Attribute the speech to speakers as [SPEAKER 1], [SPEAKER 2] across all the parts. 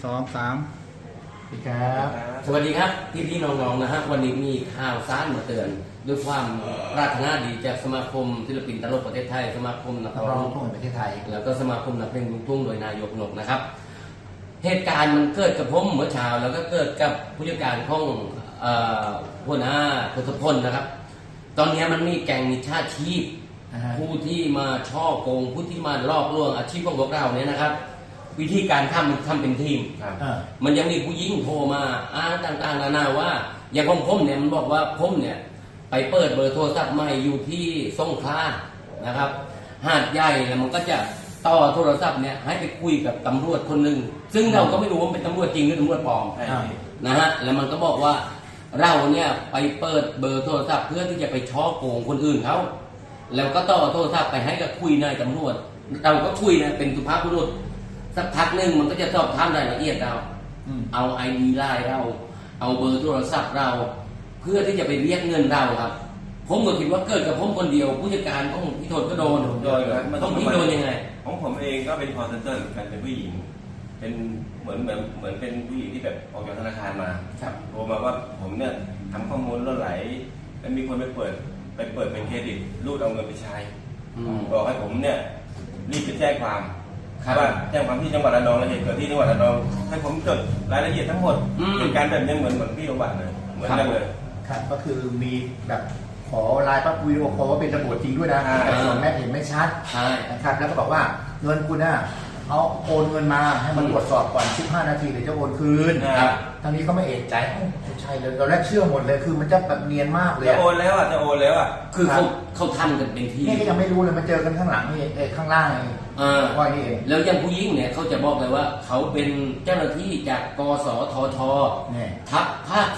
[SPEAKER 1] 2 3
[SPEAKER 2] สวัสดีครับ
[SPEAKER 3] สวัสดีครับพี่น้องๆนะฮะวันนี้มีข่าวสารมาเตือนด้วยความปรารถนาดีจากสมาคมศิลปินตลกประเทศไทยสมาคมนัก
[SPEAKER 2] นัก
[SPEAKER 3] ร้
[SPEAKER 2] ร้
[SPEAKER 3] อ
[SPEAKER 2] อง งลูกทุ่งแห่งประเทศไทย
[SPEAKER 3] แล้วก็สมาคมนักเพลงลูกทุ่งโดยนายกนกนะครับเหตุการณ์มันเกิดกับผมเมื่อเช้าแล้วก็เกิดกับผู้จัดการของหัวหน้าทศพลนะครับ ตอนนี้มันมีแก๊งมิจฉาชีพผู้ที่มาช่อโกงผู้ที่มาลอกลวงอาชีพของพวกเราเนี่ยนะครับ วิธีการทำเป็นทีมมันยังมีผู้หญิงโทรมาอ้างต่างๆนานาว่าอย่างของผมเนี่ยมันบอกว่าผมเนี่ยไปเปิดเบอร์โทรศัพท์ใหม่อยู่ที่สงขลานะครับหาดใหญ่แล้วมันก็จะต่อโทรศัพท์เนี่ยให้ไปคุยกับตำรวจคนหนึ่งซึ่งเราก็ไม่รู้ว่าเป็นตำรวจจริงหรือตำรวจปลอมนะฮะแล้วมันก็บอกว่าเราเนี่ยไปเปิดเบอร์โทรศัพท์เพื่อที่จะไปช่อโกงคนอื่นเขาแล้วก็ต่อโทรศัพท์ไปให้กับคุยนายตำรวจเราก็คุยนะเป็นสุภาพบุรุษสักพักหนึ่งมันก็จะสอบถามรายละเอียดเราเอาไอดีไลน์เราเอาเบอร์โทรศัพท์เราเพื่อที่จะไปเรียกเงินเราครับผมก็คิดว่าเกิดกับผมคนเดียวผู้จัดการของพี่โทษก็โดนต้องพี่โดนยังไง
[SPEAKER 4] ของผมเองก็เป็นคอลเซ็นเตอร์เหมือนกันเป็นผู้หญิงเป็นเหมือนเป็นผู้หญิงที่แบบออกจากธนาคารมาโทรมาว่าผมเนี่ยทำข้อมูลล่วไหลแล้วมีคนไปเปิดเป็นเครดิตรูดเอาเงินไปใช้บอกให้ผมเนี่ยรีบไปแจ้งความว่าแจ้งความที่จังหวัดระนองและเหตุเกิดที่จังหวัดระนองให้ผมจดรายละเอียดทั้งหมดเหตุการณ์แบบนี้เหมือนพี่โรบัตเลยเหมือนกันเลย
[SPEAKER 2] ครับก็คือมีแบบขอไลน์ปั๊บวิดีโอคอลว่าเป็นตำรวจจริงด้วยนะแต่ส่วนแม่เห็นไม่ชัดนะครับแล้วก็บอกว่าเงินคุณน่ะเอาโอนเงินมาให้มันตรวจสอบก่อน15 นาทีเดี๋ยวจะโอนคืนทางนี้เขาไม่เอะใจใช่เลยตอนแรกเชื่อหมดเลยคือมันจะแบบเนียนมากเลย
[SPEAKER 4] จะโอนแล้ว
[SPEAKER 3] คือเขาทำกันเป็นที
[SPEAKER 2] นี่ก็ยังไม่รู้เลยมาเจอกันข้างหลังนี่ข้างล่างว่านี่เอง
[SPEAKER 3] แล้วยังผู้หญิงเนี่ยเขาจะบอกเลยว่าเขาเป็นเจ้าหน้าที่จากกสทช.ทัพภาค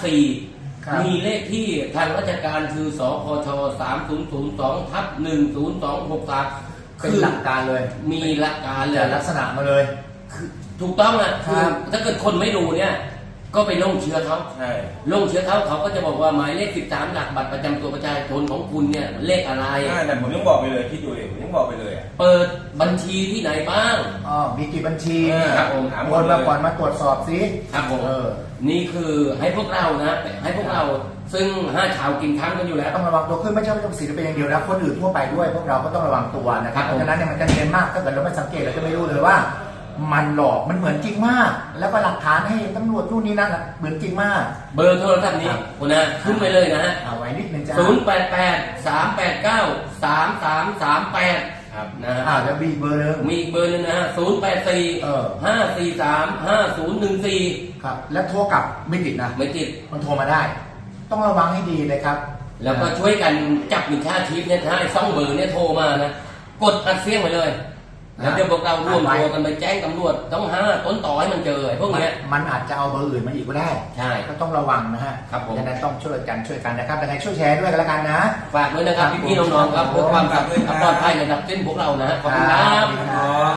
[SPEAKER 3] 4มีเลขที่ทางราชการคือสพช3002/10263
[SPEAKER 2] เป็นหลักการเลย
[SPEAKER 3] มีหลักการเลย
[SPEAKER 2] ลักษณะมาเลย
[SPEAKER 3] คือถูกต้องอ่ะคือถ้าเกิดคนไม่รู้เนี่ยก็ไปลงเชื้อเขาลงเชื้อเขาก็จะบอกว่าหมายเลข13หลักบัตรประจำตัวประชาชนของคุณเนี่ยเลขอะไร
[SPEAKER 4] แต่ผมยังบอกไปเลยคิดดูเองผมยังบอกไปเลย
[SPEAKER 3] เปิดบัญชีที่ไหนบ้าง
[SPEAKER 2] มีกี่บัญชี
[SPEAKER 3] ครับผม
[SPEAKER 2] โอนมาก่อนมาตรวจสอบสิ
[SPEAKER 3] ครับผมนี่คือให้พวกเรานะให้พวกเราซึ่ง5 ชาวกินค้างกันอยู่แล้ว
[SPEAKER 2] ต้องระวังตัวขึ้นไม่ใช่ต้องศิลปินอย่างเดียวนะคนอื่นทั่วไปด้วยพวกเราก็ต้องระวังตัวนะครับเพราะฉะนั้นเนี่ยมันจะเนียนมากถ้าเกิดเราไม่สังเกตเราจะไม่รู้เลยว่ามันหลอกมันเหมือนจริงมากแล้วก็หลักฐานให้ตำรวจนู่นนี่นั่นเหมือนจริงมาก
[SPEAKER 3] เบอร์โทรศัพท์นี้คุณนะขึ้นไปเลยนะฮะ
[SPEAKER 2] เอาไว้นิดนึงจ้า
[SPEAKER 3] 088-389-3338ครับนะฮะ
[SPEAKER 2] แล้วมีเบอร์นึง
[SPEAKER 3] มีเบอร์นึงนะฮะ084-543-5014
[SPEAKER 2] ครับแล้วโทรกลับไม่ติดนะ
[SPEAKER 3] ไม่ติด
[SPEAKER 2] มันโทรมาได้ต้องระวังให้ดีเลยครับ
[SPEAKER 3] แล้วก็ช่วยกันจับมิจฉาชีพเนี่ยถ้าให้2 เบอร์เนี่ยโทรมานะกดอัดเสียงไปเลยแล้วเดี๋ยวพวกเราร่วมตัวกันไปแจ้งตำรวจต้องหาต้นต่อให้มันเจอพวกนี้
[SPEAKER 2] มันอาจจะเอาเบอร์อื่นมาอีกก็ได้
[SPEAKER 3] ใช่
[SPEAKER 2] ก็ต้องระวังนะฮะ
[SPEAKER 3] ครับผม
[SPEAKER 2] ดังนั้นต้องช่วยกันนะครับยังไงช่วยแชร์ด้วยกันแล้วกันนะ
[SPEAKER 3] ฝากด้วยนะครับพี่ๆน้องๆครับเพื่อความปลอดภัยระดับเส้นพวกเรานะขอบคุณครับ